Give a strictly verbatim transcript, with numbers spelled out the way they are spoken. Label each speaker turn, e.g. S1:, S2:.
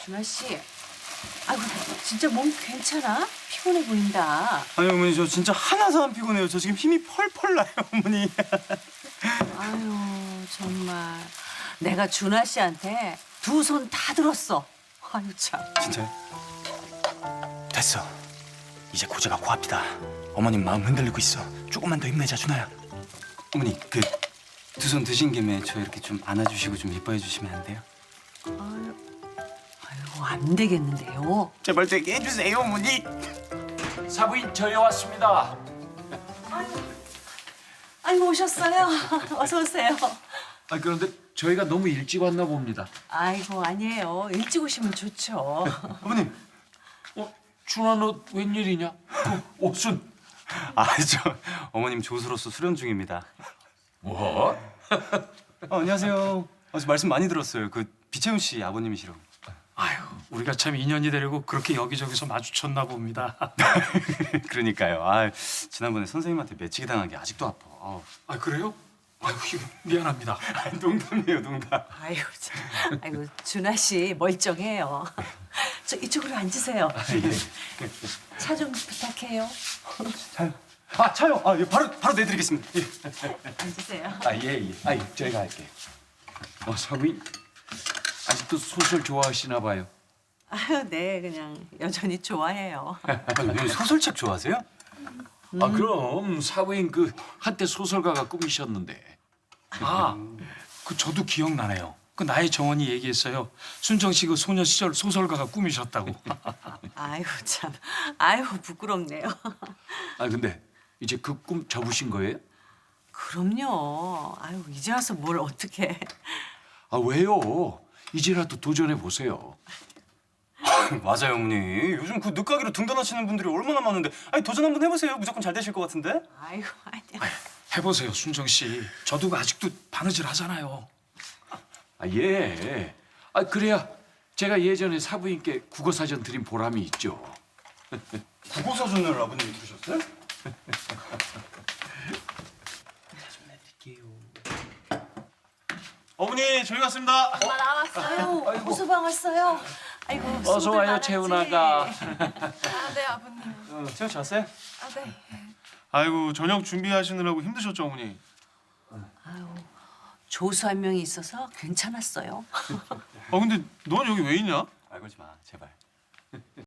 S1: 준하 씨, 아이고 진짜 몸 괜찮아? 피곤해 보인다.
S2: 아니 어머니 저 진짜 하나도 안 피곤해요. 저 지금 힘이 펄펄 나요 어머니.
S1: 아유 정말 내가 준하 씨한테 두 손 다 들었어. 아유 참.
S2: 진짜요? 됐어. 이제 고제가 코앞이다. 어머님 마음 흔들리고 있어. 조금만 더 힘내자 준아야. 어머니 그 두 손 드신 김에 저 이렇게 좀 안아주시고 좀 이뻐해 주시면 안 돼요?
S1: 아유, 아유 안 되겠는데요.
S2: 제발 되게 해주세요 어머니.
S3: 사부인 저희 왔습니다.
S1: 아이고 오셨어요. 어서 오세요.
S3: 아 그런데 저희가 너무 일찍 왔나 봅니다.
S1: 아이고 아니에요. 일찍 오시면 좋죠.
S2: 어머님.
S3: 어, 준아 너 웬일이냐? 그 옷은
S2: 아 저 어머님 조수로서 수련 중입니다.
S3: 뭐?
S2: 어, 안녕하세요. 어, 저 말씀 많이 들었어요. 그 비채훈 씨 아버님이시라고.
S4: 아유, 우리가 참 인연이 되려고 그렇게 여기저기서 마주쳤나 봅니다.
S2: 그러니까요. 아 지난번에 선생님한테 매치기 당한 게 아직도 아파. 아우.
S4: 아, 그래요? 아유, 이거 미안합니다.
S2: 아, 농담이에요 농담.
S1: 아이고 참. 아이고 준하 씨 멀쩡해요. 저 이쪽으로 앉으세요. 차 좀 부탁해요.
S2: 차요. 아 차요. 아 예, 바로 바로 내드리겠습니다. 예.
S1: 앉으세요.
S3: 아 예 예. 아 저희가 할게. 어 사부인 아직도 소설 좋아하시나 봐요.
S1: 아유 네 그냥 여전히 좋아해요.
S2: 아니, 어머니 소설책 좋아하세요?
S3: 아 그럼 사부인 그 한때 소설가가 꿈이셨는데.
S4: 아, 그 저도 기억나네요. 그 나의 정원이 얘기했어요. 순정 씨 그 소녀 시절 소설가가 꿈이셨다고.
S1: 아이고 참. 아이고 부끄럽네요.
S3: 아 근데 이제 그 꿈 접으신 거예요?
S1: 그럼요. 아이고 이제 와서 뭘 어떻게?
S3: 아 왜요? 이제라도 도전해 보세요.
S2: 맞아요 어머니. 요즘 그 늦가기로 등단하시는 분들이 얼마나 많은데. 아니 도전 한번 해보세요. 무조건 잘 되실 것 같은데.
S1: 아이고 아니야.
S4: 해보세요, 순정 씨. 저도 그 아직도 바느질 하잖아요.
S3: 아 예. 아 그래야 제가 예전에 사부인께 국어 사전 드린 보람이 있죠.
S2: 국어 사전을 아버님이 들으셨어요? 어머니 저희 왔습니다.
S1: 엄마 나왔어요. 호수방 왔어요. 아이고
S3: 어서
S1: 수고들
S3: 와요
S1: 많았지.
S3: 채훈아가.
S5: 아, 네, 아버님.
S2: 어, 채원 씨 왔어요?
S5: 아, 네.
S6: 아이고 저녁 준비하시느라고 힘드셨죠 어머니?
S1: 아유 조수 한 명이 있어서 괜찮았어요.
S6: 아 근데 넌 여기 왜 있냐?
S2: 말 걸지 마 제발.